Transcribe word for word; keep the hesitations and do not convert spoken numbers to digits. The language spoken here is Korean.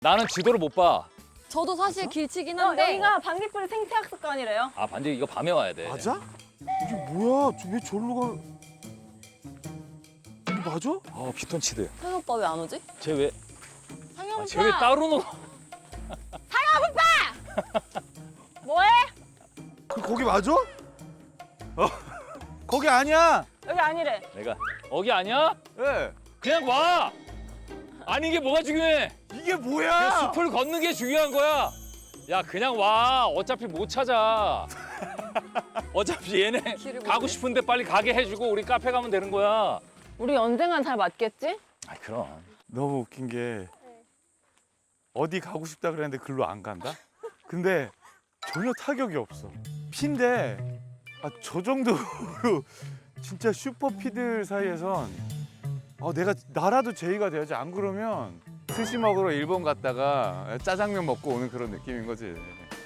나는 지도를 못 봐. 저도 사실 길치긴 어, 한데 여기가 반딧불 생태학습관이래요. 아 반지 이거 밤에 와야 돼. 맞아? 이게 뭐야? 저 왜 저리로 가? 이게 맞아? 어 피톤치드. 상현 오빠 왜 안 오지? 쟤 왜? 상현 아, 오빠. 쟤 왜 따로 놀? 뭐해? 그 거기 맞아? 어, 거기 아니야. 여기 아니래. 내가 거기 아니야? 예. 그냥 와. 아니 이게 뭐가 중요해? 이게 그냥 뭐야? 숲을 걷는 게 중요한 거야. 야 그냥 와. 어차피 못 찾아. 어차피 얘네 길을 가고 모르네. 싶은데 빨리 가게 해주고 우리 카페 가면 되는 거야. 우리 언젠간 잘 맞겠지? 아 그럼. 너무 웃긴 게 어디 가고 싶다 그랬는데 글로 안 간다? 근데 전혀 타격이 없어. 피인데 아, 저 정도로 진짜 슈퍼피들 사이에선 아, 내가 나라도 제의가 돼야지. 안 그러면 스시 먹으러 일본 갔다가 짜장면 먹고 오는 그런 느낌인 거지.